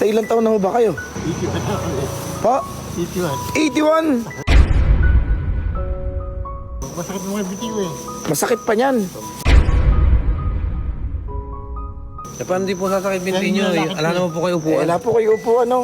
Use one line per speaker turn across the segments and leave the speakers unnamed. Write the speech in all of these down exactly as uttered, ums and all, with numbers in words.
Tay, ilang taon na ho ba kayo?
eighty-one ako eh.
Pa?
eighty-one.
eighty-one!
Masakit mo mga bitiw eh.
Masakit pa niyan.
Eh, paano di po sasakit binti nyo?
Yan,
Eh, Ala naman po kayo
Eh,
upuan.
wala po kayo upo, ano?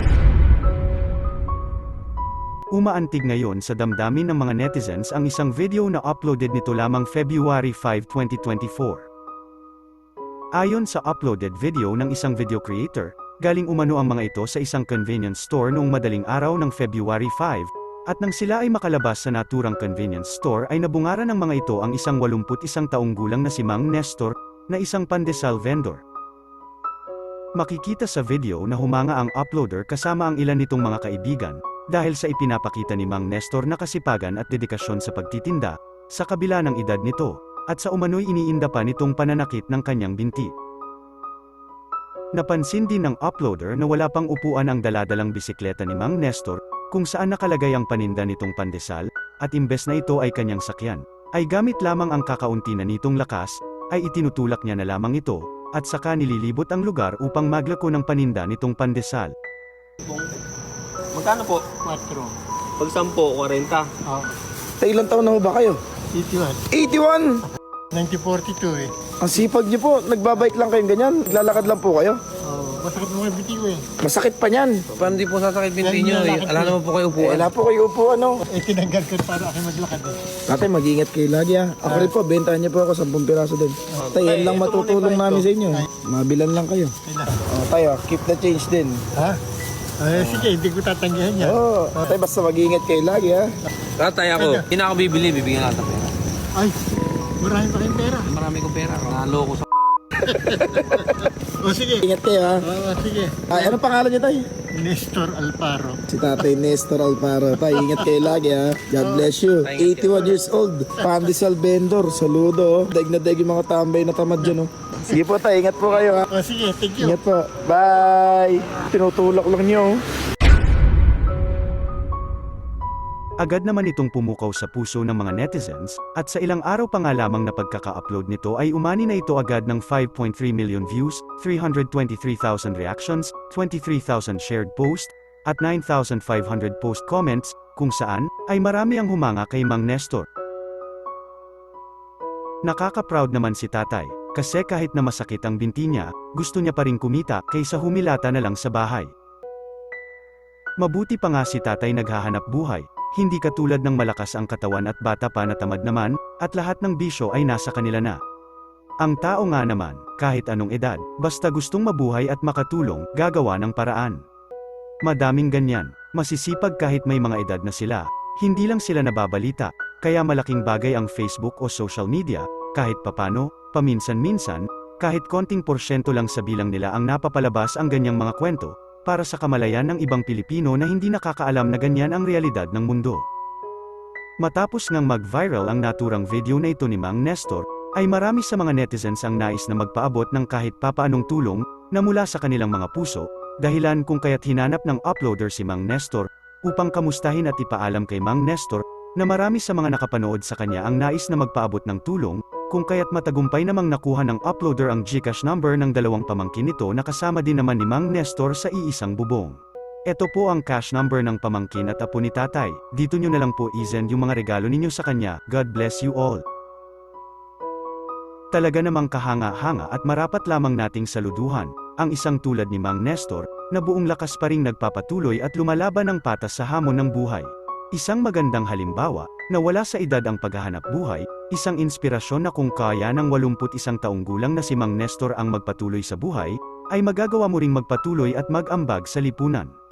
Umaantig ngayon sa damdamin ng mga netizens ang isang video na uploaded nito lamang February fifth, twenty twenty-four. Ayon sa uploaded video ng isang video creator, galing umano ang mga ito sa isang convenience store noong madaling araw ng February fifth, at nang sila ay makalabas sa naturang convenience store ay nabungaran ng mga ito ang isang walumput isang taong gulang na si Mang Nestor, na isang pandesal vendor. Makikita sa video na humanga ang uploader kasama ang ilan nitong mga kaibigan, dahil sa ipinapakita ni Mang Nestor na kasipagan at dedikasyon sa pagtitinda, sa kabila ng edad nito, at sa umano'y iniinda pa nitong pananakit ng kanyang binti. Napansin din ng uploader na wala pang upuan ang daladalang bisikleta ni Mang Nestor, kung saan nakalagay ang paninda nitong pandesal, at imbes na ito ay kanyang sakyan, ay gamit lamang ang kakaunti na nitong lakas, ay itinutulak niya na lamang ito, at saka nililibot ang lugar upang maglako ng paninda nitong pandesal.
Magkano po?
Quattro.
Pag sampo, forty.
Oh,
Tay, ilang taon na ho ba kayo?
eighty-one.
eighty-one!
nineteen forty-two eh.
Ang sipag niyo po, nagbabike lang kayong ganyan, naglalakad lang po kayo.
Oh, masakit mo mga bitiw eh.
Masakit pa niyan.
Paano di po sasakit binti
Yan,
nyo?
yan,
Eh,
lakad
Ala
po.
naman po kayo
Eh,
upuan.
wala po kayo upo, ano?
Eh, tinanggal ko para ako maglakad eh.
Tatay, mag-ingat kayo lagi, ha? Ako rin po, bentahan niyo po ako, ten piraso din. Tay, yan lang matutulong namin sa inyo. Mabilan lang kayo.
Kailan?
Oh, tayo, keep the change din.
Ha? Eh, sige, hindi ko tatanggihan yan.
Oo, oh, tay, basta mag-ingat kayo lagi, ha?
Tatay ako, hindi na ako bibili, bibigyan natin pera.
Ay, marami pa kayong pera.
Marami kong pera. Naloko sa
O sige.
Ingat kayo, ha?
Oo, sige.
Ay, anong pangalan niyo, tay?
Nestor Alparo.
Si Tatay Nestor Alparo. Tay, ingat kayo lagi, ha? God bless you. eighty-one years old. Pandesal vendor. Saludo, oh. Daig na daig yung mga tambay na tamad dyan, oh. Sige po, tay. Ingat po kayo, ha?
O sige, thank you.
Ingat po. Bye! Tinutulak lang niyo, oh.
Agad naman itong pumukaw sa puso ng mga netizens, at sa ilang araw pa nga lamang na pagkaka-upload nito ay umani na ito agad ng five point three million views, three hundred twenty-three thousand reactions, twenty-three thousand shared posts, at nine thousand five hundred post comments, kung saan, ay marami ang humanga kay Mang Nestor. Nakaka-proud naman si tatay, kasi kahit na masakit ang binti niya, gusto niya pa rin kumita, kaysa humilata na lang sa bahay. Mabuti pa nga si tatay naghahanap buhay, hindi katulad ng malakas ang katawan at bata pa na tamad naman, at lahat ng bisyo ay nasa kanila na. Ang tao nga naman, kahit anong edad, basta gustong mabuhay at makatulong, gagawa ng paraan. Madaming ganyan, masisipag kahit may mga edad na sila, hindi lang sila nababalita, kaya malaking bagay ang Facebook o social media, kahit papano, paminsan-minsan, kahit konting porsyento lang sa bilang nila ang napapalabas ang ganyang mga kwento, para sa kamalayan ng ibang Pilipino na hindi nakakaalam na ganyan ang realidad ng mundo. Matapos ngang mag-viral ang naturang video na ito ni Mang Nestor, ay marami sa mga netizens ang nais na magpaabot ng kahit papaanong tulong, na mula sa kanilang mga puso, dahilan kung kaya't hinanap ng uploader si Mang Nestor, upang kamustahin at ipaalam kay Mang Nestor, na marami sa mga nakapanood sa kanya ang nais na magpaabot ng tulong, kung kaya't matagumpay namang nakuha ng uploader ang GCash number ng dalawang pamangkin nito na kasama din naman ni Mang Nestor sa iisang bubong. Ito po ang cash number ng pamangkin at apo ni tatay, dito nyo na lang po i-send yung mga regalo ninyo sa kanya, God bless you all. Talaga namang kahanga-hanga at marapat lamang nating saluduhan, ang isang tulad ni Mang Nestor, na buong lakas pa ring nagpapatuloy at lumalaban ng patas sa hamon ng buhay. Isang magandang halimbawa, na wala sa edad ang paghahanap buhay, isang inspirasyon na kung kaya ng walumput isang taong gulang na si Mang Nestor ang magpatuloy sa buhay, ay magagawa mo ring magpatuloy at mag-ambag sa lipunan.